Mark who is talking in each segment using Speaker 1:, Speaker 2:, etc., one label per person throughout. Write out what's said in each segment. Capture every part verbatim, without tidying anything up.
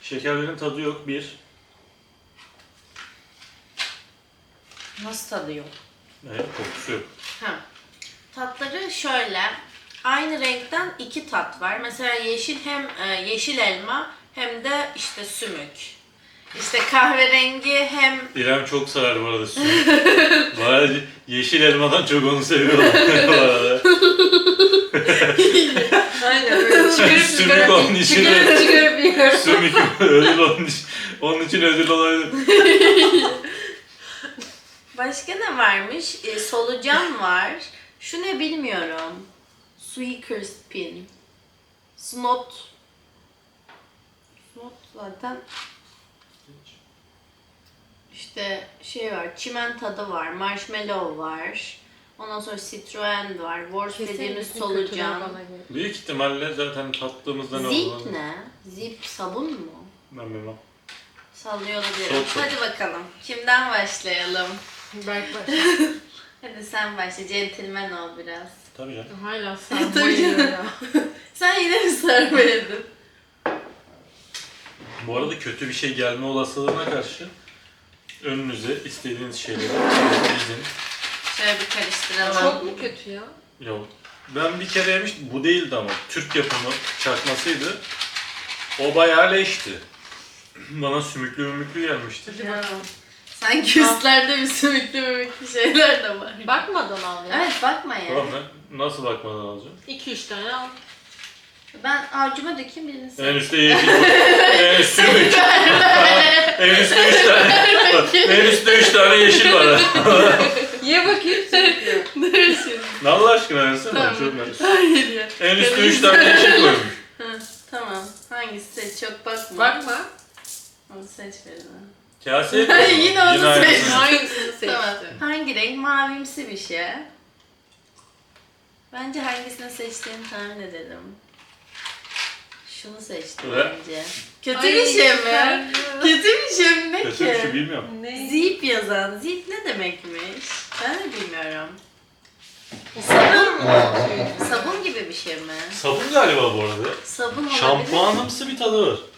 Speaker 1: Şekerlerin tadı yok bir.
Speaker 2: Nasıl tadı yok?
Speaker 1: Evet, kokusu yok.
Speaker 2: Ha. Tatları şöyle. Aynı renkten iki tat var. Mesela yeşil hem e, yeşil elma hem de işte sümük. İşte kahverengi hem
Speaker 1: İrem çok sever bu arada sümük. Bayağı yeşil elmadan çok onu seviyorum bu arada.
Speaker 2: aynen böyle çıkarıp
Speaker 1: Sümük onun
Speaker 2: çıkarıp
Speaker 1: içine.
Speaker 2: çıkarıp çıkarıp yiyorum.
Speaker 1: Sümük ödül onun için, onun için ödül olabilir.
Speaker 2: Başka ne varmış? E, solucan var. Şu ne bilmiyorum. Sweakers pin. Snot. Snot zaten işte şey var, çimen tadı var, marshmallow var. Ondan sonra Citroen var, Wars dediğimiz solucan.
Speaker 1: Büyük ihtimalle zaten tattığımızda ne
Speaker 2: Zip
Speaker 1: olur?
Speaker 2: ne? Zip sabun mu?
Speaker 1: Ben bilmem.
Speaker 2: Sallıyor olabilirim.
Speaker 1: Çok çok.
Speaker 2: Hadi bakalım. Kimden başlayalım?
Speaker 3: Berk başla.
Speaker 2: Hadi sen başla. Centilmen ol biraz.
Speaker 1: Tabii canım.
Speaker 3: Hala
Speaker 2: Tabii
Speaker 3: sarmayıyor
Speaker 2: canım.
Speaker 3: ya.
Speaker 2: Sen yine mi sarmayadın?
Speaker 1: Bu arada kötü bir şey gelme olasılığına karşı önünüze istediğiniz şeyleri dizin.
Speaker 2: Şöyle bir karıştıralım.
Speaker 3: Çok mu kötü ya?
Speaker 1: Yok. Ben bir kere yemiştim. Bu değildi ama. Türk yapımı çakmasıydı. O bayağı leşti. Bana sümüklü mümüklü gelmişti.
Speaker 3: Hadi bakalım.
Speaker 2: Sanki üstlerde bir sümüklü mümüklü şeyler de var.
Speaker 3: Bakmadan al ya.
Speaker 2: Evet bakma ya.
Speaker 1: Tamam ben nasıl bakmadan alacağım?
Speaker 3: iki üç tane al.
Speaker 2: Ben avcuma dökeyim birini sen.
Speaker 1: En üstte yeşil. En üstte sümük. En üstte üç tane. En üstte üç tane yeşil var.
Speaker 3: Ye bakayım sürüklü.
Speaker 2: Dur şimdi.
Speaker 1: Ne Allah aşkına versene
Speaker 2: Tamam.
Speaker 1: çok merak.
Speaker 2: Hayır ya.
Speaker 1: En üstte üç tane yeşil koymuş.
Speaker 2: Hı, tamam. Hangisi seç? Çok bakma.
Speaker 3: Bakma.
Speaker 2: Onu seç birini.
Speaker 1: Kase mi?
Speaker 2: Ay, yine onu
Speaker 1: aynısı.
Speaker 2: seçtim.
Speaker 3: Hangisini seçtin?
Speaker 2: Tamam. Hangi renk? Mavimsi bir şey. Bence hangisini seçtiğini tahmin edelim. Şunu seçtim
Speaker 1: Evet.
Speaker 2: bence. Kötü
Speaker 3: Ay,
Speaker 2: bir şey mi?
Speaker 3: güzel.
Speaker 2: Kötü bir şey mi? Ne
Speaker 1: Kötü
Speaker 2: ki?
Speaker 1: bir şey bilmiyorum.
Speaker 3: Ne?
Speaker 2: Zip yazan. Zip ne demekmiş? Ben de bilmiyorum. Sabun mu? Sabun gibi bir şey mi?
Speaker 1: Sabun galiba bu arada.
Speaker 2: Sabun olabilir.
Speaker 1: Şampuanımsı bir tadı var.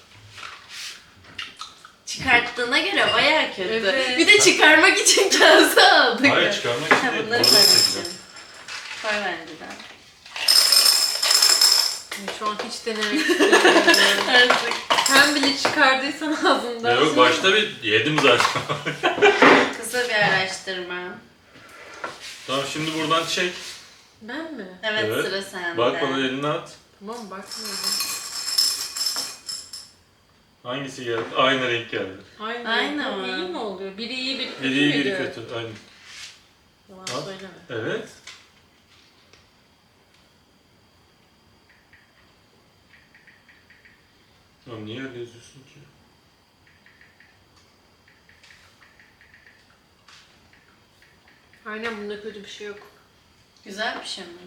Speaker 2: Çıkarttığına göre bayağı kötü.
Speaker 3: Evet.
Speaker 2: Bir de çıkarmak için kase aldık.
Speaker 1: Hayır çıkarmak için
Speaker 2: Ha,
Speaker 1: değil.
Speaker 2: bunları
Speaker 1: Orada
Speaker 2: koymak
Speaker 1: seçeceğim.
Speaker 2: için. Koy bence de.
Speaker 3: Şu an hiç denemek istemiyorum.
Speaker 2: Artık
Speaker 3: Sen bile çıkardıysan ağzından.
Speaker 1: Ya yok başta bir yedim zaten.
Speaker 2: kısa bir araştırma.
Speaker 1: Tamam şimdi buradan çek.
Speaker 3: Ben mi?
Speaker 2: Evet,
Speaker 1: Evet.
Speaker 2: sıra sende.
Speaker 1: Bak bana elini at.
Speaker 3: Tamam bakmıyorum.
Speaker 1: Hangisi geldi? Aynı renk geldi.
Speaker 3: Aynı,
Speaker 2: Aynı
Speaker 3: Bu
Speaker 2: mı?
Speaker 3: iyi mi oluyor? Biri iyi biri kötü
Speaker 1: Biri iyi
Speaker 3: müydü?
Speaker 1: biri kötü. Aynı.
Speaker 3: Yalan
Speaker 1: Al.
Speaker 3: söyleme.
Speaker 1: Evet. Ya niye öyle yazıyorsun ki?
Speaker 3: Aynen bunda kötü bir şey yok.
Speaker 2: Güzel bir şey mi?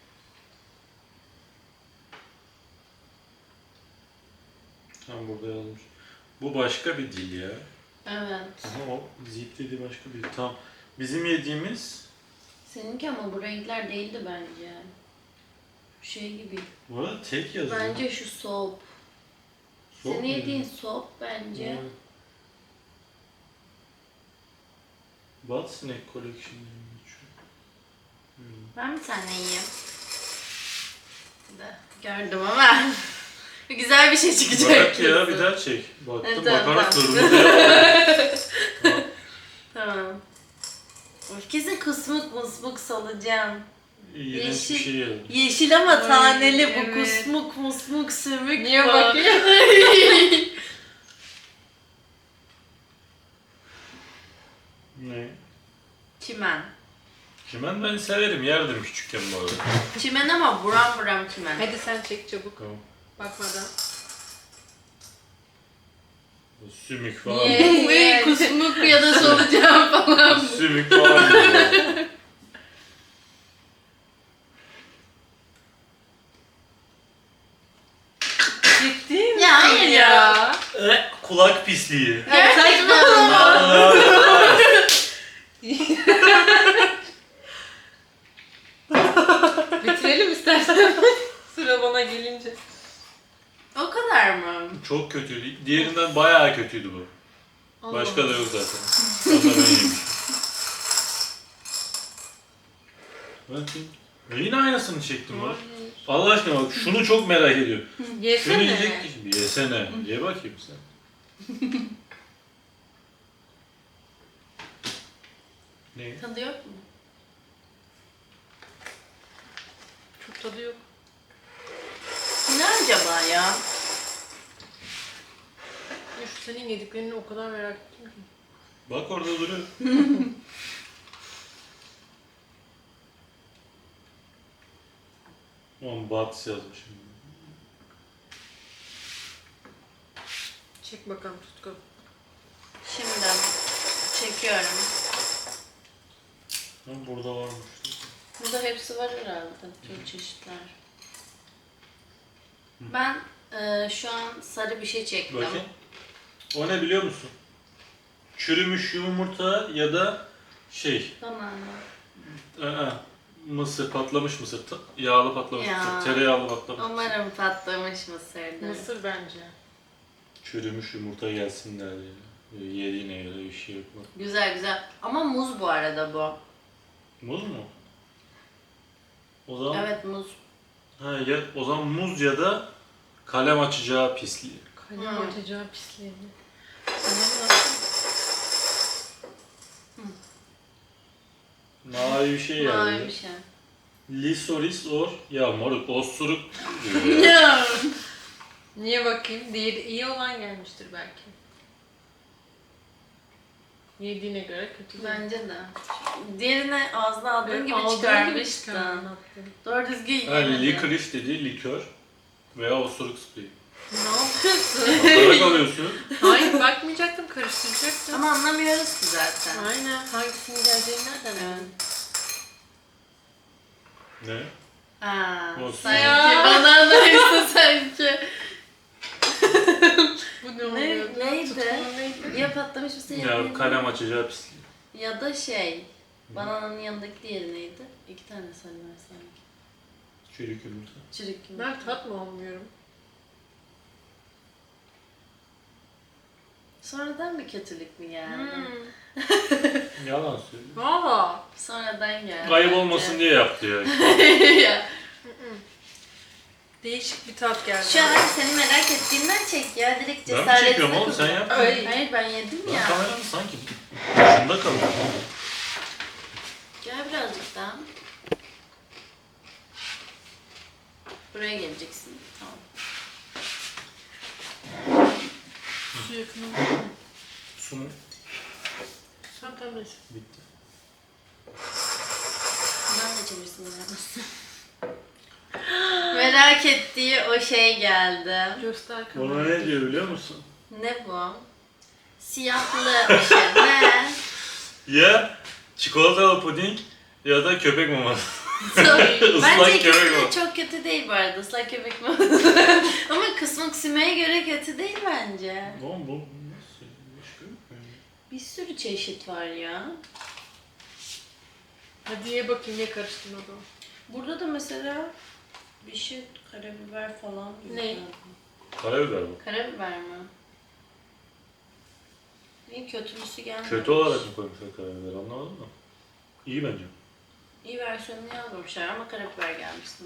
Speaker 1: Tam burada yazmış. Bu başka bir dil ya.
Speaker 2: Evet.
Speaker 1: Ama o zip dediği başka bir dil. Tamam. Bizim yediğimiz
Speaker 2: Seninki ama bu renkler değildi bence. Şey gibi.
Speaker 1: bu arada tek yazıyor.
Speaker 2: Bence şu soap.
Speaker 1: Soğuk
Speaker 2: Senin
Speaker 1: mu?
Speaker 2: yediğin soap bence.
Speaker 1: Evet. Bad Snack Collection diye geçiyor. Hmm.
Speaker 2: Ben bir tane yiyeyim. De, gördüm ama. Güzel bir şey çıkacak.
Speaker 1: Bırak ya
Speaker 2: kesin.
Speaker 1: bir daha çek. Baktım
Speaker 2: Evet, tamam,
Speaker 1: bakarız
Speaker 2: tamam.
Speaker 1: durumu diye.
Speaker 2: Tamam. Of, kesin kusmuk musmuk solucan.
Speaker 1: İğrenç bir
Speaker 2: Yeşil.
Speaker 1: şey yazmış.
Speaker 2: Yeşil ama
Speaker 3: Ay,
Speaker 2: taneli bu
Speaker 3: evet.
Speaker 2: kusmuk musmuk sümük
Speaker 3: Niye
Speaker 2: bu.
Speaker 3: bakıyor?
Speaker 1: Ne?
Speaker 2: Çimen.
Speaker 1: Çimen ben severim, yerdim küçükken bu arada.
Speaker 2: Çimen ama buram buram çimen.
Speaker 3: Hadi sen çek çabuk.
Speaker 1: Tamam.
Speaker 3: Bakmadan.
Speaker 1: Bu Sümük falan.
Speaker 2: Niye? Niye? Kusmuk ya da solucan falan.
Speaker 1: Sümük falan. diyor.
Speaker 2: Ciddi misin?
Speaker 3: Ya hayır ya.
Speaker 1: Eh, kulak pisliği.
Speaker 2: Gerçekten mi?
Speaker 1: Aa,
Speaker 3: Bitirelim istersen. Sıra bana gelince.
Speaker 2: O kadar mı?
Speaker 1: Çok kötüydü. Diğerinden bayağı kötüydü bu.
Speaker 3: Allah
Speaker 1: Başka da
Speaker 3: Allah.
Speaker 1: yok zaten. Onu da ben yemişim. Bakayım. Ya yine aynısını çektim bak.
Speaker 3: Hayır.
Speaker 1: Allah aşkına bak şunu çok merak ediyorum. Şunu
Speaker 3: Yesene.
Speaker 1: yiyecek şimdi. Yesene. Ye bakayım sen. Ne?
Speaker 2: Tadı yok mu?
Speaker 3: Çok tadı yok.
Speaker 2: Ne acaba ya?
Speaker 3: Üf, senin yediklerini o kadar merak ettim ki.
Speaker 1: Bak orada duruyor. Aman Bats yazmışım.
Speaker 3: Çek bakalım Tutku.
Speaker 2: Şimdi çekiyorum.
Speaker 1: Ha, burada varmış.
Speaker 2: Burada hepsi var herhalde. Çok çeşitler. Ben e, şu an sarı bir şey çektim.
Speaker 1: Bakayım. O ne biliyor musun? Çürümüş yumurta ya da şey,
Speaker 2: Banana.
Speaker 1: aa, mısır, patlamış mısır, ta- yağlı patlamış
Speaker 2: Ya.
Speaker 1: mısır, tereyağlı patlamış mısır.
Speaker 2: Umarım patlamış mısırdır.
Speaker 3: Mısır bence.
Speaker 1: Çürümüş yumurta gelsinler diye. Böyle yediğine göre bir şey yok mu?
Speaker 2: Güzel güzel. Ama muz bu arada bu.
Speaker 1: Muz mu? O zaman,
Speaker 2: Evet muz.
Speaker 1: ha, ya, o zaman muz ya da kalem açacağı pisliği.
Speaker 3: Kalem
Speaker 2: Hmm.
Speaker 3: atacağı pisliğini. Sana nasıl?
Speaker 1: Mavi bir şey
Speaker 2: Mavi bir
Speaker 1: geldi.
Speaker 2: şey.
Speaker 1: Lisoris or, ya moruk, osuruk.
Speaker 2: Ya.
Speaker 3: Niye bakayım? Diğeri iyi olan gelmiştir belki. Yediğine göre kötü değil.
Speaker 2: Bence de. Diğerine ağzına aldığın
Speaker 3: Böyle
Speaker 2: gibi
Speaker 3: aldığın gibi
Speaker 2: çıkarmıştın.
Speaker 3: çıkarmıştın.
Speaker 2: Doğru düzgün
Speaker 1: Yani
Speaker 2: yemedin.
Speaker 1: licorice dediği likör veya osuruk spreyi.
Speaker 3: Ne yapıyorsun?
Speaker 1: Bakarak alıyorsun.
Speaker 3: Hayır bakmayacaktım, karıştıracaktım.
Speaker 2: Ama anlamıyoruz ki zaten.
Speaker 3: Aynen. Hangisinin geleceğini nereden
Speaker 2: Evet.
Speaker 3: bileyim?
Speaker 1: Ne?
Speaker 2: Aa,
Speaker 1: Olsun.
Speaker 2: sanki
Speaker 3: Ya.
Speaker 2: bananaysa sanki.
Speaker 3: Bu ne
Speaker 2: Ne,
Speaker 3: oluyor?
Speaker 2: neydi?
Speaker 3: Tutkunun neydi?
Speaker 2: Ya patlamış mısır
Speaker 1: Ya
Speaker 2: ya,
Speaker 1: kalem açacağı pisliği.
Speaker 2: ya da şey. Banananın yanındaki diğeri neydi? İki tane sarı var sanki.
Speaker 1: Çürük yumurta.
Speaker 2: Çürük yumurta.
Speaker 3: Ben tat mı almıyorum?
Speaker 2: Sonradan bir kötülük mü geldi?
Speaker 3: Hmm.
Speaker 1: Yalan söylüyor.
Speaker 3: Valla.
Speaker 2: Sonradan geldi.
Speaker 1: Kayıp olmasın diye yaptı ya.
Speaker 2: Ya.
Speaker 3: Değişik bir tat geldi.
Speaker 2: Şu an seni merak ettiğinden çek ya. Direkt
Speaker 1: Ben mi
Speaker 2: cesaretini
Speaker 1: çekiyorum oğlum, sen
Speaker 2: kullan.
Speaker 1: yap.
Speaker 3: Ay.
Speaker 2: Hayır ben yedim
Speaker 1: Ben
Speaker 2: ya.
Speaker 1: kameranın sanki başında kalıyorum.
Speaker 2: Gel birazcık daha. Buraya geleceksin. Tamam.
Speaker 3: Su yakını.
Speaker 1: Su mu?
Speaker 3: Sen tam neyse.
Speaker 1: Bitti.
Speaker 2: Ben de çevirsin yapmasın. Merak ettiği o şey geldi.
Speaker 3: Göster
Speaker 1: Ona
Speaker 3: kamerayı.
Speaker 1: ne diyor biliyor musun?
Speaker 2: Ne bu? Siyahlı bir şey. Ne?
Speaker 1: Ya çikolatalı puding ya da köpek maması.
Speaker 2: Bence
Speaker 1: Islak
Speaker 2: ikisi
Speaker 1: köpek
Speaker 2: de
Speaker 1: maması.
Speaker 2: çok kötü değil bu arada. Islak köpek mi? Ama kısmık simeye göre kötü değil bence.
Speaker 1: Oğlum bu nasıl? Başka yok mu?
Speaker 2: Bir sürü çeşit var ya.
Speaker 3: Hadi ye bakayım ne karıştırmadı o.
Speaker 2: Burada da mesela bir şey karabiber falan.
Speaker 3: Ne?
Speaker 1: Karabiber bu.
Speaker 2: Karabiber mi? İyi kötülüsü gelmedi.
Speaker 1: Kötü olarak mı koymuşlar karabiberi, anlamadın mı? İyi bence.
Speaker 2: İyi versiyonunu yazmamışlar ama karabiber gelmiş sana.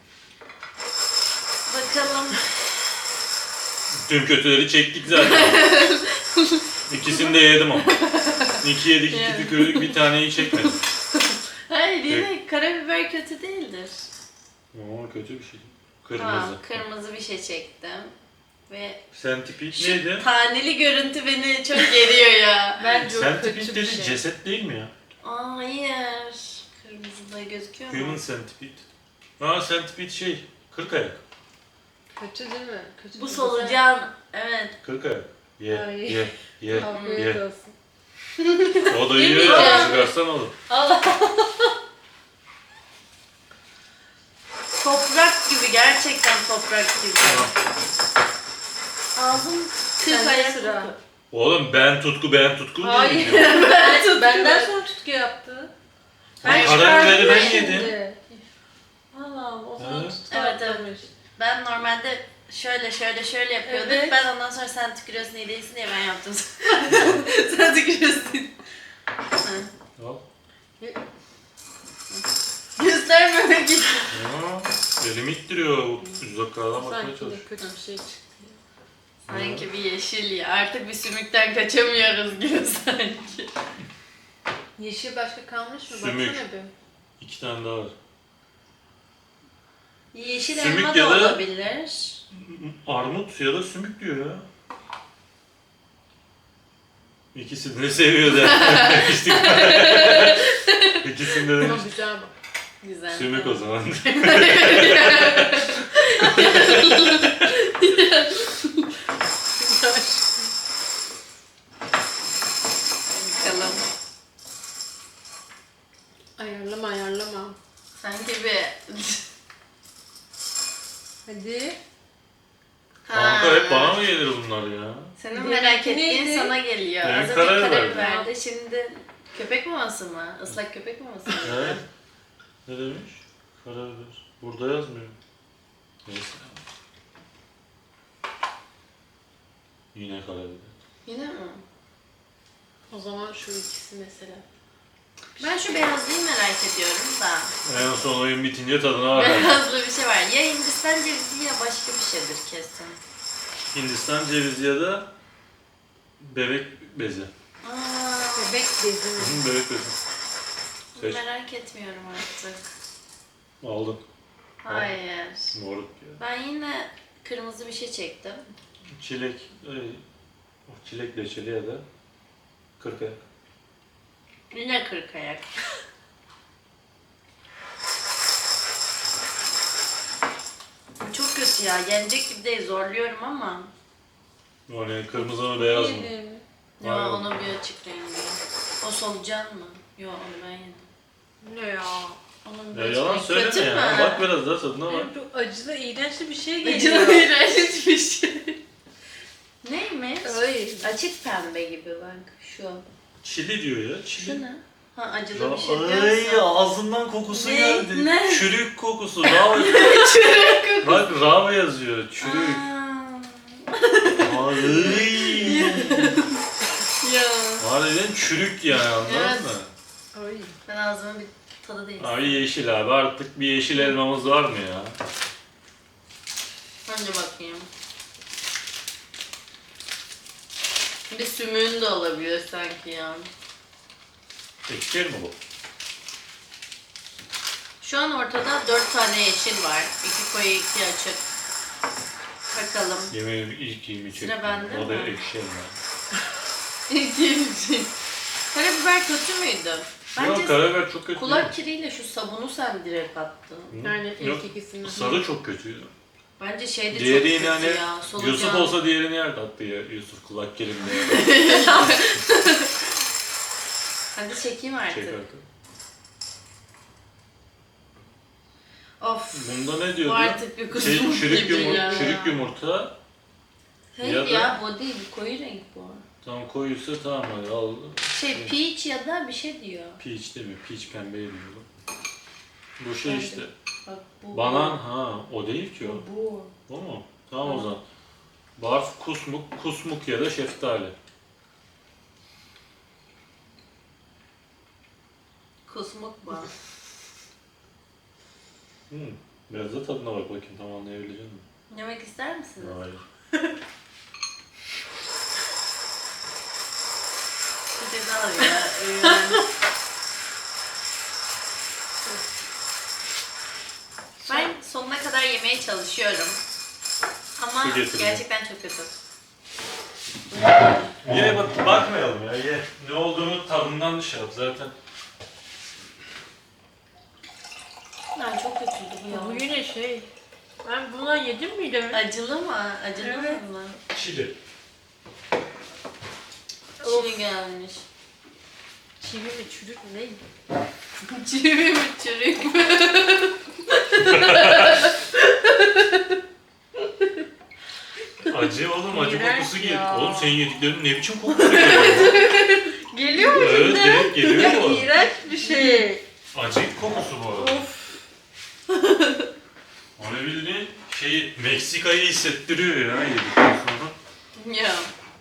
Speaker 2: Bakalım.
Speaker 1: Tüm kötüleri çektik zaten. İkisini de yedim ama. İki yedik, iki
Speaker 2: Yani.
Speaker 1: tükürdük, bir taneyi çekmedim.
Speaker 2: Hayır yine karabiber kötü değildir.
Speaker 1: Ama kötü bir şey. Kırmızı.
Speaker 2: Tamam kırmızı bir şey çektim. Ve
Speaker 1: Sentipede
Speaker 2: şu
Speaker 1: neydi?
Speaker 2: taneli görüntü beni çok geriyor ya.
Speaker 3: Bence o
Speaker 1: Sentipede
Speaker 3: kötü bir
Speaker 1: dedi
Speaker 3: şey.
Speaker 1: ceset değil mi ya?
Speaker 2: Aa hayır. Kırmızı da gözüküyor
Speaker 1: Human
Speaker 2: mu?
Speaker 1: centipede. Aa centipede şey, kırk ayak.
Speaker 3: Kötü değil mi? Kötü
Speaker 2: Bu
Speaker 3: değil.
Speaker 2: solucan. Evet.
Speaker 1: Kırk ayak. Ye,
Speaker 3: Ay.
Speaker 1: ye, ye,
Speaker 3: Afiyet
Speaker 1: ye.
Speaker 3: olsun.
Speaker 1: O da yiyor
Speaker 3: Yemeyeceğim.
Speaker 1: ya, çıkarsan olur.
Speaker 3: Allah.
Speaker 2: Toprak gibi gerçekten toprak gibi. Ağzım kırk
Speaker 3: Sende
Speaker 2: ayak.
Speaker 3: sıra.
Speaker 1: Oğlum ben tutku, ben tutku
Speaker 3: Hayır.
Speaker 1: değilim ya.
Speaker 3: ben, benden sonra tutku yaptı.
Speaker 2: Ben
Speaker 1: Karabiberi ben
Speaker 2: çıkardım
Speaker 1: yedim.
Speaker 3: Şimdi. Allah'ım o zaman
Speaker 1: Evet.
Speaker 3: tutku
Speaker 2: Evet, evet.
Speaker 3: atlamış.
Speaker 2: Ben normalde şöyle şöyle şöyle yapıyorduk.
Speaker 3: Evet.
Speaker 2: Ben ondan sonra sen tükürüyorsun iyi değilsin diye ben yaptım. Sen tükürüyorsun. Ha.
Speaker 1: Al.
Speaker 2: Göstermemek için.
Speaker 1: Ya, elimi ittiriyor. Uzaklardan bakmaya
Speaker 3: Sanki de
Speaker 1: çalışıyor.
Speaker 3: kötü bir şey çıktı.
Speaker 2: Sanki bir yeşil ya. Artık bir sümükten kaçamıyoruz gibi sanki.
Speaker 3: Yeşil başka kalmış mı?
Speaker 1: Sümük.
Speaker 3: Baksana bir.
Speaker 1: İki tane daha var.
Speaker 2: Yeşil
Speaker 1: Sümük
Speaker 2: elma
Speaker 1: ya
Speaker 2: da
Speaker 1: da-
Speaker 2: olabilir.
Speaker 1: Armut ya da sümük diyor ya. İkisini de seviyor da. İkisini de
Speaker 3: Ama
Speaker 1: demiş.
Speaker 3: güzel bak.
Speaker 2: Güzel.
Speaker 1: Sümük o zaman.
Speaker 2: Bakalım.
Speaker 3: Ayarlama ayarlama.
Speaker 2: Sanki bir...
Speaker 3: Hadi.
Speaker 1: Kanka hep bana mı gelir bunlar ya?
Speaker 2: Senin
Speaker 3: Benimki
Speaker 2: merak ettiğin
Speaker 3: neydi?
Speaker 2: sana geliyor.
Speaker 1: Benim
Speaker 2: Az önce
Speaker 1: karabiber.
Speaker 2: karabiberdi. Şimdi köpek maması mı? Islak köpek maması mı?
Speaker 1: Evet. Ne demiş? Karabiber. Burada yazmıyor. Neyse. Yine karabiber.
Speaker 2: Yine mi?
Speaker 3: O zaman şu ikisi mesela.
Speaker 2: Ben şu beyazlıyı merak ediyorum da.
Speaker 1: En son oyun bitince tadına bakalım.
Speaker 2: Beyazlı bir şey var. Ya Hindistan cevizi ya başka bir şeydir kesin.
Speaker 1: Hindistan cevizi ya da bebek bezi.
Speaker 2: Aa,
Speaker 3: Bebek bezi mi?
Speaker 1: Hı, bebek bezi. Seç.
Speaker 2: merak etmiyorum artık.
Speaker 1: Aldın.
Speaker 2: Hayır.
Speaker 1: Moruk ya.
Speaker 2: Ben yine kırmızı bir şey çektim.
Speaker 1: Çilek. E, o çilek reçeli ya da kırk ayak.
Speaker 2: Yine kırk ayak. Çok kötü ya. Yenecek gibi değil. Zorluyorum ama.
Speaker 1: O ne? Kırmızı mı beyaz mı?
Speaker 3: Yedim.
Speaker 2: Yo
Speaker 1: Aynen.
Speaker 2: onun bir açık rengi. O solucan mı? Yo onu ben yedim.
Speaker 3: Ne ya?
Speaker 2: Onun bir
Speaker 1: Ya
Speaker 2: açık
Speaker 1: yalan
Speaker 2: rengi.
Speaker 1: söyleme
Speaker 2: Kötü
Speaker 1: ya.
Speaker 2: mü?
Speaker 1: Bak biraz daha tadına bak.
Speaker 3: Benim çok acılı, iğrençli bir şey geliyor.
Speaker 2: Acılı iğrenç bir şey. Neymiş?
Speaker 3: Ay.
Speaker 2: Açık pembe gibi bak şu.
Speaker 1: Çili diyor ya. Çili.
Speaker 2: Şu ne? Ha acılı bir şey
Speaker 1: Ay
Speaker 2: diyorsun.
Speaker 1: ağzından kokusu
Speaker 2: Ne?
Speaker 1: geldi.
Speaker 2: Ne?
Speaker 1: Çürük kokusu. Rava.
Speaker 2: Çürük kokusu.
Speaker 1: Bak rava yazıyor. Çürük.
Speaker 2: Aa.
Speaker 1: Ay.
Speaker 2: Ya.
Speaker 1: Harbiden çürük yani anladın
Speaker 2: Evet.
Speaker 1: mı?
Speaker 3: Ay.
Speaker 2: Ben ağzımın bir tadı değil.
Speaker 1: Abi yeşil abi artık bir yeşil elmamız var mı ya?
Speaker 2: Önce bakayım. Bir sümüğün de olabilir sanki ya.
Speaker 1: Ekşir mi bu?
Speaker 2: Şu an ortada dört tane yeşil var. İki koyu, iki açık. Bakalım.
Speaker 1: Yemeğim ilk yemi çektim.
Speaker 2: Sıra bende
Speaker 1: O da
Speaker 2: mi?
Speaker 1: ekşi elma.
Speaker 2: İki yeşil. Karabiber kötü müydü? Bence
Speaker 1: Yok karabiber çok kötü
Speaker 2: kulak kiriyle şu sabunu sen direkt attın.
Speaker 1: değil. Hı?
Speaker 3: Yani ilk
Speaker 1: Yok,
Speaker 3: ikisini.
Speaker 1: sarı çok kötüydü.
Speaker 2: Bence şey de
Speaker 1: Diğeri
Speaker 2: çok
Speaker 1: yine
Speaker 2: kötü
Speaker 1: hani
Speaker 2: ya. Solucan.
Speaker 1: Yusuf olsa diğerini yer tattı ya. Yusuf kulak kelimde.
Speaker 2: Hadi çekeyim artık.
Speaker 1: Çek artık.
Speaker 2: Of.
Speaker 1: Bunda ne
Speaker 2: Bu
Speaker 1: diyordu?
Speaker 2: artık bir
Speaker 1: Şey,
Speaker 2: kusmuk
Speaker 1: çürük,
Speaker 2: gibi
Speaker 1: yumur
Speaker 2: ya.
Speaker 1: çürük yumurta.
Speaker 2: Hayır
Speaker 1: Ya da-
Speaker 2: ya bu değil. Bu koyu renk bu.
Speaker 1: Tam koyuysa tamam hadi al.
Speaker 2: Şey peach ya da bir şey diyor.
Speaker 1: Peach değil mi? Peach pembeye diyor. Bu şey
Speaker 2: Bence.
Speaker 1: işte.
Speaker 2: Bak bu.
Speaker 1: Banan ha o değil ki o.
Speaker 2: Bu. bu.
Speaker 1: O mu? Tamam o zaman. Barf, kusmuk, kusmuk ya da şeftali.
Speaker 2: Kusmuk bu.
Speaker 1: Hmm. Biraz da tadına bak bakayım tam anlayabilecek misin?
Speaker 2: Yemek ister misiniz?
Speaker 1: Hayır.
Speaker 2: Bir de daha ya. Ee, ben sonuna kadar yemeye çalışıyorum. Ama
Speaker 1: Su getirdim.
Speaker 2: gerçekten çok kötü.
Speaker 1: Ye bak bakmayalım ya ye. Ne olduğunu tadından şey yap zaten.
Speaker 2: Ben çok kötüydü bu ya.
Speaker 3: Bu yine şey. Ben bundan yedim miydim?
Speaker 2: Acılı mı? Acılı
Speaker 3: Evet.
Speaker 2: mı?
Speaker 1: Çili.
Speaker 2: Çiğ gelmiş.
Speaker 3: Çivi mi çürük mü ne?
Speaker 2: Çivi mi çürük mü?
Speaker 1: Acı oğlum acı
Speaker 3: İğrenç
Speaker 1: kokusu
Speaker 3: ya.
Speaker 1: geliyor. Oğlum senin yediklerin ne biçim kokusu geliyor?
Speaker 3: Geliyor mu
Speaker 1: Evet
Speaker 3: şimdi?
Speaker 1: direkt geliyor
Speaker 3: Ya
Speaker 1: bu.
Speaker 3: iğrenç bir şey.
Speaker 1: Acı kokusu bu.
Speaker 3: Of.
Speaker 1: Onu bildiğin şeyi Meksika'yı hissettiriyor ya yedikten sonra.
Speaker 2: Ya.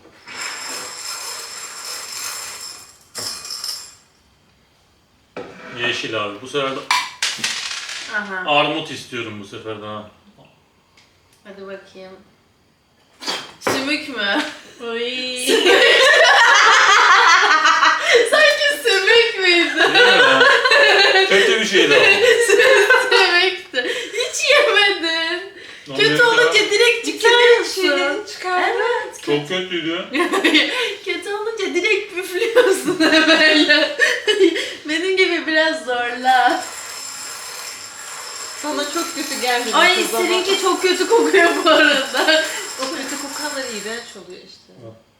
Speaker 1: Yeşil abi. Bu sefer de
Speaker 2: Aha.
Speaker 1: armut istiyorum bu sefer daha.
Speaker 2: Hadi bakayım. Sümük mü? Oy. Sanki sümük müydü?
Speaker 1: Değil mi ya? Kötü bir şeydi ama.
Speaker 2: Sümüktü. Hiç yemedin.
Speaker 1: Lan
Speaker 2: Kötü
Speaker 1: mesela
Speaker 2: olunca direkt çıkarıyorsun.
Speaker 3: Şeyleri çıkardı.
Speaker 2: Evet.
Speaker 1: Çok kötüydü.
Speaker 2: Kötü olunca direkt püflüyorsun hemen. Benim gibi biraz zorla.
Speaker 3: Sana çok kötü gelmedi.
Speaker 2: Ay
Speaker 3: kız ama.
Speaker 2: seninki çok kötü kokuyor bu arada.
Speaker 3: O kötü kokanlar iğrenç oluyor işte.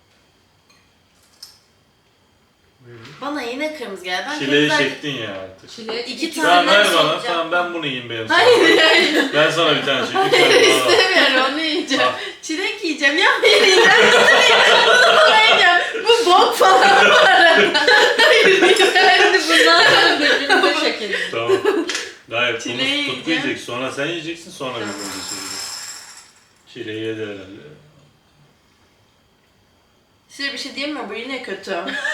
Speaker 2: Bana yine kırmızı geldi. Ben
Speaker 1: Çileği
Speaker 2: kırmızı-
Speaker 1: çektin ya artık.
Speaker 3: Çilek
Speaker 2: İki
Speaker 3: iki
Speaker 2: tane-
Speaker 1: Tamam ver
Speaker 2: nasıl
Speaker 1: bana.
Speaker 2: olacak?
Speaker 1: Tamam ben bunu yiyeyim benim sana.
Speaker 2: Hayır hayır.
Speaker 1: Ben sana bir tane çekeyim.
Speaker 2: Hayır
Speaker 1: Sen bana al.
Speaker 2: istemiyorum onu yiyeceğim.
Speaker 1: Al.
Speaker 2: Çilek yiyeceğim. Ya hayır yiyeceğim. Bunu bana yiyeceğim. Bu bok falan bu arada. Hayır yiyeceğim.
Speaker 3: Hadi bundan sonra birbirimize çekelim.
Speaker 1: Tamam. Hayır
Speaker 2: Çileği
Speaker 1: bunu
Speaker 2: yiyeceğim.
Speaker 1: Tutku yiyecek. Sonra sen yiyeceksin. Sonra bir önce söyleyecek. Çileği yedi herhalde.
Speaker 2: Size bir şey diyeyim mi? Bu yine kötü.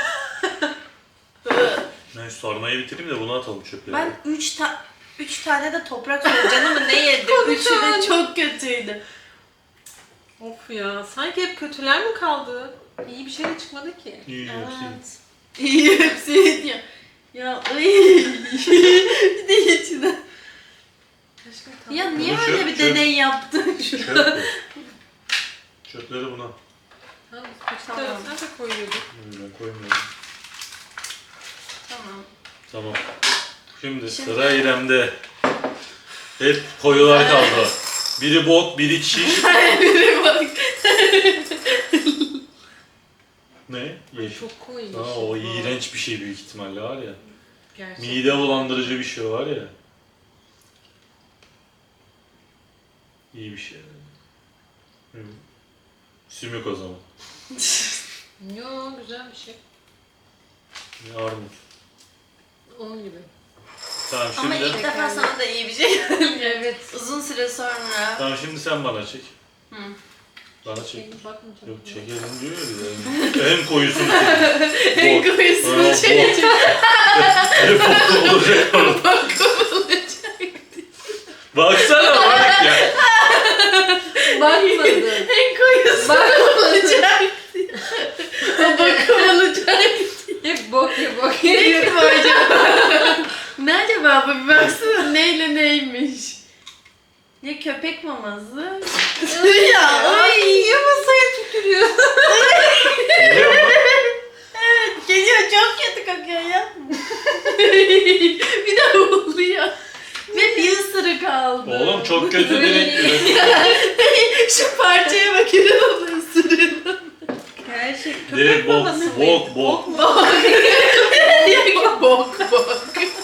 Speaker 1: Ben şu sarmayı bitireyim de bunu atalım çöplere.
Speaker 2: Ben üç ta üç tane de toprak solucanı ne yedim? Üçü de çok kötüydü.
Speaker 3: Of ya, sanki hep kötüler mi kaldı? İyi bir şey de çıkmadı ki.
Speaker 1: İyi hepsi.
Speaker 2: Evet. İyi hepsi diyor. Ya ay. Bir de içine.
Speaker 3: Aşkım tamam.
Speaker 2: Ya niye
Speaker 1: Bunu
Speaker 2: öyle
Speaker 1: çöp-
Speaker 2: bir
Speaker 1: çöp-
Speaker 2: deney yaptın
Speaker 1: Çöp
Speaker 2: şu
Speaker 1: bu. Çöpleri buna.
Speaker 3: Tamam, peçete
Speaker 2: Tamam.
Speaker 3: arasına da koyuyorduk.
Speaker 1: Ben koymuyorum.
Speaker 2: Tamam.
Speaker 1: Tamam. Şimdi,
Speaker 2: Şimdi-
Speaker 1: sıra İrem'de. Hep koyular kaldı. Biri bok, biri çiş.
Speaker 2: Biri bak.
Speaker 1: Ne?
Speaker 3: Ay,
Speaker 1: Yeşil.
Speaker 3: çok koyu.
Speaker 1: Aa, o iğrenç bir şey büyük ihtimalle var ya.
Speaker 3: Gerçekten.
Speaker 1: Mide bulandırıcı bir şey var ya. İyi bir şey. Hı. Sümük o zaman.
Speaker 3: Yo, güzel bir şey.
Speaker 1: Armut.
Speaker 3: Onun gibi.
Speaker 1: Tamam
Speaker 2: Ama
Speaker 1: şimdi.
Speaker 2: ilk defa sana da iyi bir şey geldi.
Speaker 3: Evet.
Speaker 2: Uzun süre sonra.
Speaker 1: Tamam şimdi sen bana çek.
Speaker 2: Hı.
Speaker 1: Bana çek.
Speaker 3: Şey, bakmayacağım.
Speaker 1: Yok çekelim diyor ya. En koyusunu çek.
Speaker 2: En
Speaker 1: Bok.
Speaker 2: koyusunu
Speaker 1: Aa,
Speaker 2: çekecek.
Speaker 1: Ne bok olacak orada.
Speaker 2: Bak olacak.
Speaker 1: Baksana bak ya.
Speaker 3: Bakmadım.
Speaker 2: En koyusu
Speaker 3: Bak-
Speaker 2: olacak. O bakım olacak.
Speaker 3: Hep bok ya bok
Speaker 2: Ne
Speaker 3: ya.
Speaker 2: ki bu acaba? Ne acaba bu? Bir baksana neyle neymiş. Ya köpek maması? Ya ay.
Speaker 3: Niye masaya tükürüyor?
Speaker 1: Biliyor musun?
Speaker 2: Evet geliyor çok kötü kokuyor ya. Bir de oluyor. Ve bir ısırık aldı.
Speaker 1: Oğlum çok kötü direkt.
Speaker 2: Şu parçaya bak İrem ısırığına.
Speaker 3: Gerçek
Speaker 1: Direkt
Speaker 3: köpek
Speaker 1: bok,
Speaker 3: babası mı?
Speaker 1: bok, bok.
Speaker 2: Bok. bok bok.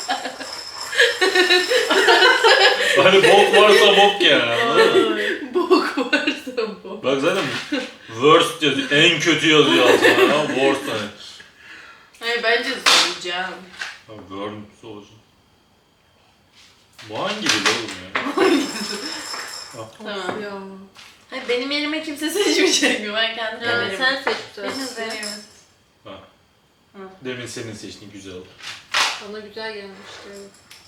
Speaker 1: Hani bok varsa bok yani anladın mı?
Speaker 2: Bok varsa bok.
Speaker 1: Bak zaten worst yazıyor, en kötü yazıyor altına ama worst hani.
Speaker 2: Hayır bence soracağım.
Speaker 1: Ha, worst olacak. Bu hangi dil oğlum ya?
Speaker 2: Tamam.
Speaker 3: Ya.
Speaker 2: Hayır benim yerime kimse seçmeyecek mi? Ben kendim
Speaker 3: Ya
Speaker 2: veririm.
Speaker 3: sen seç bu
Speaker 2: Benim
Speaker 3: sefer.
Speaker 2: veririm.
Speaker 1: Ha.
Speaker 2: Hı.
Speaker 1: Demin senin seçtiğin güzel oldu.
Speaker 3: Bana güzel gelmişti. Evet.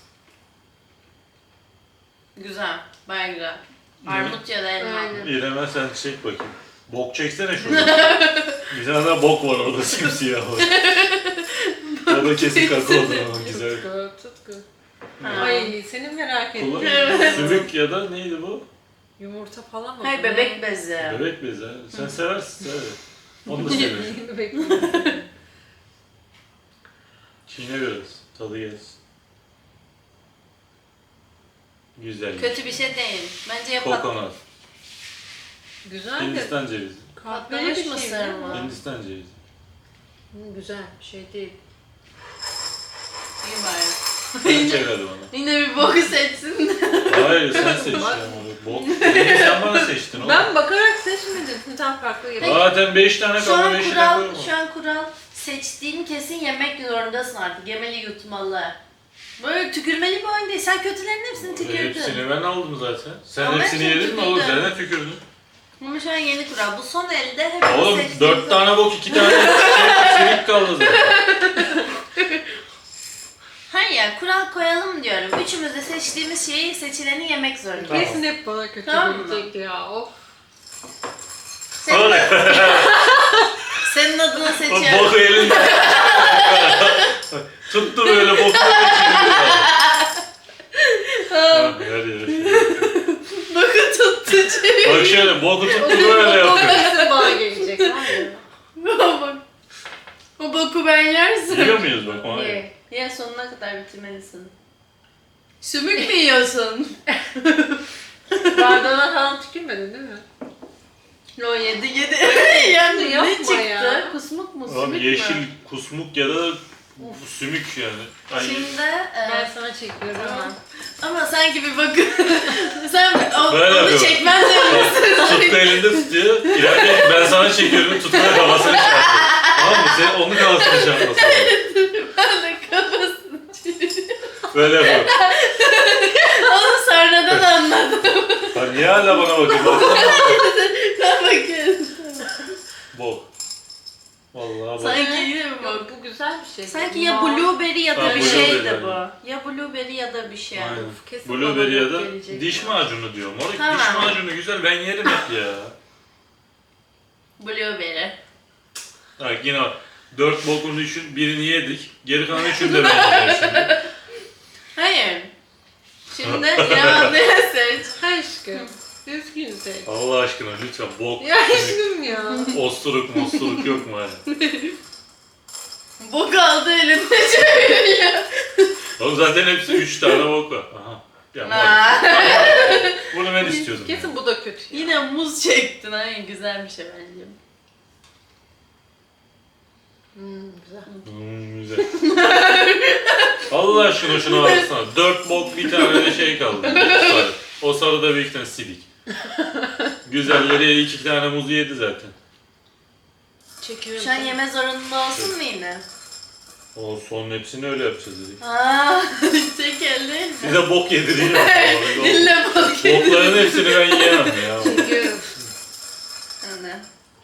Speaker 2: Güzel. Baya güzel. Armut ya da elma.
Speaker 3: Aynen.
Speaker 1: İrem'e sen çek bakayım. Bok çeksene şurada. Bir tane daha bok var orada simsiyah var. O da kesin kakaodur ama güzel.
Speaker 3: Tutku, tutku.
Speaker 2: Ha.
Speaker 3: Ay seni merak ettim.
Speaker 1: Kullan.
Speaker 2: Evet.
Speaker 1: Sümük ya da neydi bu?
Speaker 3: Yumurta falan mı?
Speaker 2: Hayır bebek bezi.
Speaker 1: Bebek bezi ha. Sen seversin sever. Onu da severim.
Speaker 3: Bebek bezi.
Speaker 1: Çiğne biraz. Tadı gelsin. Güzel.
Speaker 2: Kötü bir şey değil. Bence yapalım.
Speaker 1: Kokonat.
Speaker 3: Güzel de
Speaker 1: Hindistan cevizi.
Speaker 3: kahveli bir
Speaker 2: Patlamış
Speaker 3: şey
Speaker 2: mısır
Speaker 3: değil
Speaker 2: mı?
Speaker 3: mi?
Speaker 1: Hindistan cevizi.
Speaker 3: Hı, güzel bir şey değil.
Speaker 2: İyi bari.
Speaker 1: Sen çek hadi bana.
Speaker 2: Yine bir boku seçsin de.
Speaker 1: Hayır sen seç ya. Bok. Demin sen bana seçtin oğlum.
Speaker 3: Ben bakarak seçmedim. Tam farklı yapayım.
Speaker 1: Zaten beş tane
Speaker 2: Şu
Speaker 1: kaldı
Speaker 2: an
Speaker 1: beşine koyma.
Speaker 2: kural, şu an kural seçtiğin kesin yemek zorundasın artık. Yemeli yutmalı. Böyle tükürmeli bir oyun değil. Sen kötülerin hepsini tükürdün.
Speaker 1: Hepsini ben aldım zaten. Sen
Speaker 2: Ama
Speaker 1: hepsini
Speaker 2: hepsini
Speaker 1: yedin mi oğlum?
Speaker 2: tükürdün.
Speaker 1: Sen de tükürdün.
Speaker 2: Ama şu an yeni kural. Bu son elde hepimiz
Speaker 1: Oğlum
Speaker 2: seçtiğimiz-
Speaker 1: dört tane bok, iki tane şey, silik kaldı zaten.
Speaker 2: Hayır ya, kural koyalım diyorum. Üçümüz de seçtiğimiz şeyi seçileni yemek zorunda.
Speaker 1: Tamam.
Speaker 3: Kesin hep bana kötü
Speaker 2: Tamam mı?
Speaker 3: gelecek ya. Of.
Speaker 2: Senin, senin adına
Speaker 1: O
Speaker 2: seçiyorum.
Speaker 1: boku elinde. Tuttu böyle boku içinde. Her yere şey.
Speaker 2: Bakın tuttu çevir.
Speaker 1: Bak şöyle boku tuttu
Speaker 3: O
Speaker 1: böyle
Speaker 3: o
Speaker 1: yapıyor.
Speaker 3: kesin bana gelecek. Var ya.
Speaker 2: Bak. O boku ben yersin.
Speaker 1: Yiyor muyuz bak ona?
Speaker 2: Ye. Ye, sonuna kadar bitirmelisin. Sümük mü yiyorsun?
Speaker 3: Bardağına falan tükürmedin değil mi?
Speaker 2: Yo, yedi yedi. Yani ne
Speaker 3: Yapma
Speaker 2: çıktı?
Speaker 3: ya.
Speaker 2: Kusmuk mu?
Speaker 1: Abi
Speaker 2: Sümük
Speaker 1: yeşil
Speaker 2: mü?
Speaker 1: kusmuk ya da sümük yani. Ay,
Speaker 2: Şimdi e,
Speaker 3: Ben sana çekiyorum.
Speaker 2: tamam. Ama sanki bir bakın. Sen o,
Speaker 1: Böyle
Speaker 2: onu
Speaker 1: yapıyorum.
Speaker 2: çekmen zorundasın.
Speaker 1: tuttu elinde tutuyor. İleride ben sana çekiyorum, tutma kafasını çarpıyor. Tamam mı? Sen onun kafasını çarpmasın.
Speaker 2: Ben de kafasını çeviriyorum.
Speaker 1: Böyle yapıyorum.
Speaker 2: Onu sonradan anladım.
Speaker 1: Ha, niye hala bana bakıyorsun?
Speaker 2: Ben bakıyorum.
Speaker 1: Bok. Vallahi bok.
Speaker 2: Sanki yine mi
Speaker 3: Yok,
Speaker 2: bak?
Speaker 3: bu güzel bir şey.
Speaker 2: Sanki ya
Speaker 3: Aa,
Speaker 2: blueberry ya da
Speaker 1: Ha,
Speaker 2: bir
Speaker 1: blueberry
Speaker 2: şeydi
Speaker 1: yani.
Speaker 2: bu. Ya blueberry ya da bir şey.
Speaker 1: Aynen.
Speaker 3: kesin
Speaker 1: Blueberry
Speaker 3: bana
Speaker 1: ya da
Speaker 3: gelecek
Speaker 1: diş
Speaker 3: ya.
Speaker 1: macunu diyor. Moruk
Speaker 2: Tamam.
Speaker 1: diş macunu güzel, ben yerim hep ya.
Speaker 2: Blueberry.
Speaker 1: Bak yine bak. Dört bokunu düşün, birini yedik. Geri kalan üçünü de ben yiyeceğim şimdi.
Speaker 2: Hayır. Şimdi İrem ablaya seç.
Speaker 3: Aşkım. Düzgün seç.
Speaker 1: Allah aşkına lütfen bok,
Speaker 3: Ya aşkım ya.
Speaker 1: osturuk mosturuk yok mu hani?
Speaker 2: Bok aldı elinde çeviriyor.
Speaker 1: Oğlum zaten hepsi üç tane bok var. Aha. Ya moruk.
Speaker 2: Aa.
Speaker 1: Bunu ben istiyordum.
Speaker 3: Kesin bu da kötü. ya.
Speaker 2: Yine muz çektin. Hayır, güzel bir şey bence.
Speaker 3: Hmm, güzel.
Speaker 1: Hmm, güzel. Allah aşkına şuna baksana. Dört bok bir tane de şey kaldı. Sarı. O sarıda bir iki tane silik. Güzelleri iki tane muzu yedi zaten.
Speaker 3: Çekiyorum.
Speaker 2: Şu an yeme zorunda olsun mu yine?
Speaker 1: O son hepsini öyle yapacağız dedik.
Speaker 2: Aaa tek elle.
Speaker 1: Bir de bok yedireyim.
Speaker 2: Dille bok yedi.
Speaker 1: Bokların hepsini ben yiyemem ya.
Speaker 3: Çekiyorum.
Speaker 2: Hani.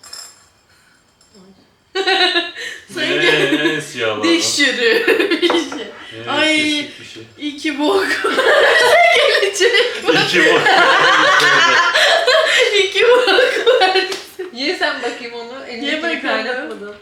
Speaker 1: Ne en siyahlardan.
Speaker 2: Diş çürüğü bir şey.
Speaker 1: Ne
Speaker 2: Ay.
Speaker 1: kesik bir şey.
Speaker 2: İki bok. Gelecek bak.
Speaker 1: İki bok.
Speaker 2: İki bok var.
Speaker 3: Ye sen bakayım onu.
Speaker 2: Ye
Speaker 3: Elindekini
Speaker 2: bakalım.
Speaker 3: kaynatmadan.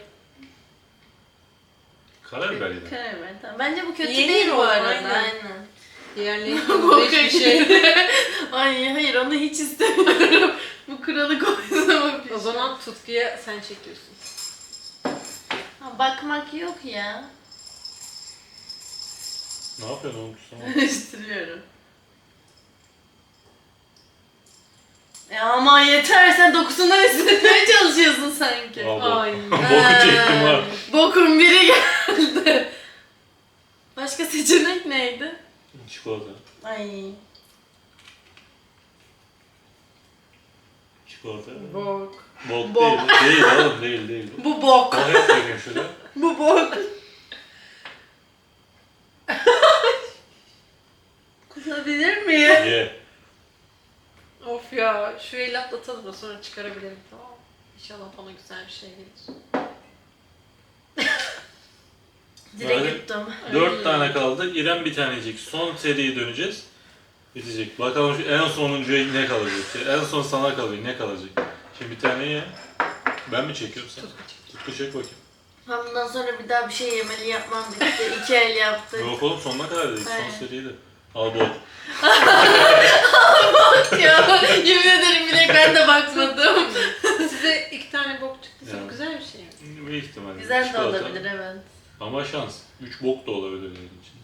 Speaker 1: Karabiber yedim.
Speaker 2: Karar tamam. Bence bu kötü
Speaker 3: Yenir
Speaker 2: değil bu
Speaker 3: o,
Speaker 2: arada.
Speaker 3: aynen.
Speaker 2: Aynen.
Speaker 3: Diğerleri
Speaker 2: Bok
Speaker 3: hiçbir şey.
Speaker 2: Ay hayır, onu hiç istemiyorum. Bu kuralı koysam bir
Speaker 3: O zaman tutkuya sen çekiyorsun.
Speaker 2: Ha, bakmak yok ya.
Speaker 1: Ne yapıyorsun oğlum kusama?
Speaker 2: Karıştırıyorum. Ya ama yeter, sen dokusundan hissetmeye çalışıyorsun sanki.
Speaker 1: Al bok.
Speaker 3: Ay.
Speaker 1: Boku çektim ha.
Speaker 2: Bokun biri geldi. Başka seçenek neydi?
Speaker 1: Çikolata.
Speaker 2: Ay.
Speaker 1: Çikolata.
Speaker 3: Bok.
Speaker 1: Bok,
Speaker 2: Bok.
Speaker 1: değil. Değil oğlum değil değil.
Speaker 2: Bu bok.
Speaker 1: Bok hep bakayım şurada.
Speaker 2: Bu bok. Kusabilir miyim?
Speaker 1: Ye.
Speaker 3: Of ya. Şu eli atlatalım da sonra çıkarabilirim, tamam mı? İnşallah bana güzel bir şey gelir.
Speaker 2: Direkt
Speaker 1: Böyle
Speaker 2: yuttum.
Speaker 1: Dört
Speaker 3: Ay.
Speaker 1: tane kaldı. İrem bir tane yiyecek. Son seriye döneceğiz. Bitecek. Bakalım şu en sonuncuya ne kalacak? En son sana kalıyor. Ne kalacak? Şimdi bir tane ye. Ben mi çekiyorum sen?
Speaker 3: Tutku çek.
Speaker 1: Tutku çek bakayım.
Speaker 2: Ben bundan sonra bir daha bir şey yemeli yapmam bitti. İki el yaptık.
Speaker 1: Yok oğlum sonuna kadar dedik.
Speaker 2: Aynen.
Speaker 1: Son seriydi. Al bol.
Speaker 2: Ya yemin ederim bile ben de bakmadım.
Speaker 3: Size iki tane bok çıktıysa
Speaker 1: Yani.
Speaker 3: bu güzel bir şey mi?
Speaker 1: Bir ihtimalle.
Speaker 2: Güzel de
Speaker 1: Çikolata.
Speaker 2: olabilir, evet.
Speaker 1: Ama şans. Üç bok da olabilir benim için.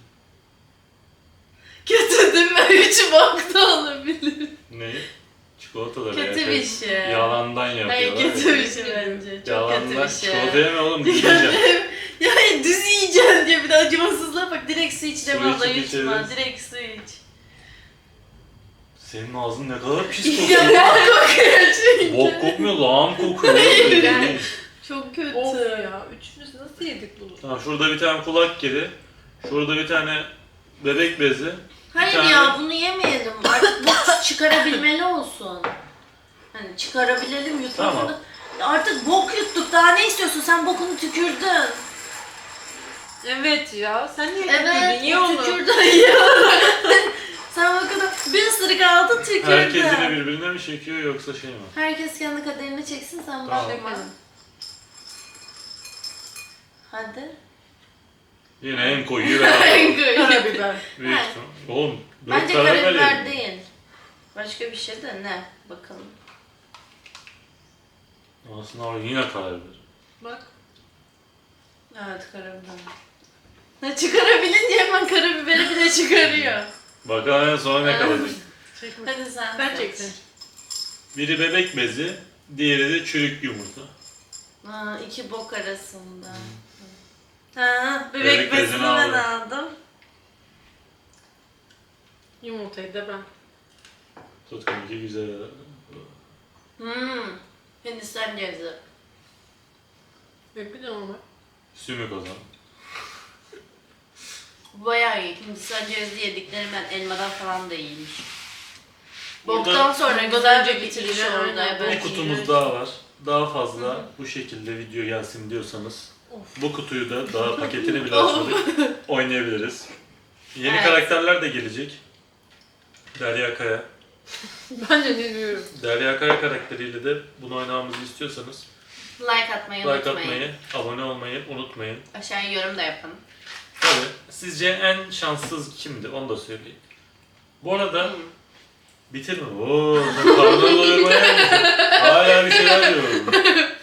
Speaker 2: Kötü değil mi? Üç bok da olabilir.
Speaker 1: Neyi? Çikolata da
Speaker 2: Kötü
Speaker 1: veya
Speaker 2: bir
Speaker 1: şey-
Speaker 2: şey.
Speaker 1: Yalandan yapıyorlar.
Speaker 2: Hayır, kötü bir şey bence. Çok
Speaker 1: Yalandan
Speaker 2: kötü bir şey.
Speaker 1: çikolata yeme oğlum. Yiyeceğim.
Speaker 2: Ya düz yiyeceksin diye bir de acımasızlığa bak. Direkt su iç de
Speaker 1: Su
Speaker 2: valla
Speaker 1: içip
Speaker 2: yutma.
Speaker 1: içeriz.
Speaker 2: Direkt su iç.
Speaker 1: Senin ağzın ne kadar pis
Speaker 2: Ya
Speaker 1: kokuyor.
Speaker 2: bok kokuyor çünkü.
Speaker 1: Bok kokmuyor, lağım kokuyor.
Speaker 3: Yani.
Speaker 2: Çok kötü.
Speaker 3: Of ya. Üçümüz nasıl yedik bunu?
Speaker 1: Tamam şurada bir tane kulak kedi. Şurada bir tane bebek bezi.
Speaker 2: Hayır
Speaker 1: tane-
Speaker 2: ya bunu yemeyelim. Artık bok çıkarabilmeli olsun. Hani çıkarabilelim yutmasını.
Speaker 1: Tamam.
Speaker 2: da- Ya artık bok yuttuk. Daha ne istiyorsun? Sen bokunu tükürdün.
Speaker 3: Evet ya. Sen niye
Speaker 2: Evet,
Speaker 3: tükürdün? Ye onu.
Speaker 2: tükürdün ya. Sen bokunu bir ısırık aldın tükürdün.
Speaker 1: Herkes yine birbirine mi çekiyor yoksa şey mi?
Speaker 2: Herkes kendi kaderini çeksin sen
Speaker 1: Tamam.
Speaker 2: bakma. Hadi.
Speaker 1: Yine en koyuyu ben aldım.
Speaker 3: Karabiber.
Speaker 1: Büyük
Speaker 2: Evet.
Speaker 1: ihtimal. Oğlum dört
Speaker 2: Bence
Speaker 1: karar
Speaker 2: karabiber
Speaker 1: verelim.
Speaker 2: değil. Başka bir şey de ne? Bakalım.
Speaker 1: Aslında abi yine karabiber.
Speaker 3: Bak.
Speaker 2: Evet karabiber. Ne çıkarabilince hemen karabiberi bile çıkarıyor.
Speaker 1: Bakalım en sonra ne kalacak.
Speaker 3: Çekme.
Speaker 2: Hadi sen
Speaker 3: Ben
Speaker 2: seç.
Speaker 3: çektim.
Speaker 1: Biri bebek bezi, diğeri de çürük yumurta.
Speaker 2: Ha, iki bok arasında. Ha, bebek,
Speaker 1: Bebek bezini
Speaker 2: bezini ben
Speaker 1: aldım.
Speaker 2: aldım.
Speaker 3: Yumurtayı da ben.
Speaker 1: Tutkum iki güzel.
Speaker 2: Hmm. Hindistan cevizi.
Speaker 3: Ve bir de normal.
Speaker 1: Sümük o zaman.
Speaker 2: Bu bayağı iyi. Hindistan cevizi yediklerim ben elmadan falan da iyiymiş.
Speaker 1: Burada
Speaker 2: Boktan sonra
Speaker 3: Güzel
Speaker 2: güzelce
Speaker 3: bir
Speaker 2: bitiriş
Speaker 3: bitirici,
Speaker 2: oldu.
Speaker 3: aynen.
Speaker 2: Evet.
Speaker 1: bir kutumuz daha var. Daha fazla bu şekilde video gelsin diyorsanız
Speaker 3: Of.
Speaker 1: bu kutuyu da daha paketini bile açmadık oynayabiliriz. Yeni
Speaker 2: Evet.
Speaker 1: karakterler de gelecek. Derya Kaya.
Speaker 3: Bence ne diyorum.
Speaker 1: Derya Kaya karakteriyle de bunu oynamamızı istiyorsanız
Speaker 2: Like atmayı
Speaker 1: like
Speaker 2: unutmayın.
Speaker 1: atmayı, abone olmayı unutmayın.
Speaker 2: Aşağıya yorum da yapın.
Speaker 1: Tabii. Sizce en şanssız kimdi? Onu da söyleyin. Bu arada
Speaker 2: Hmm.
Speaker 1: bitirme. Ooo sen karnını doyurmaya mısın? Hala bir şeyler yiyorum.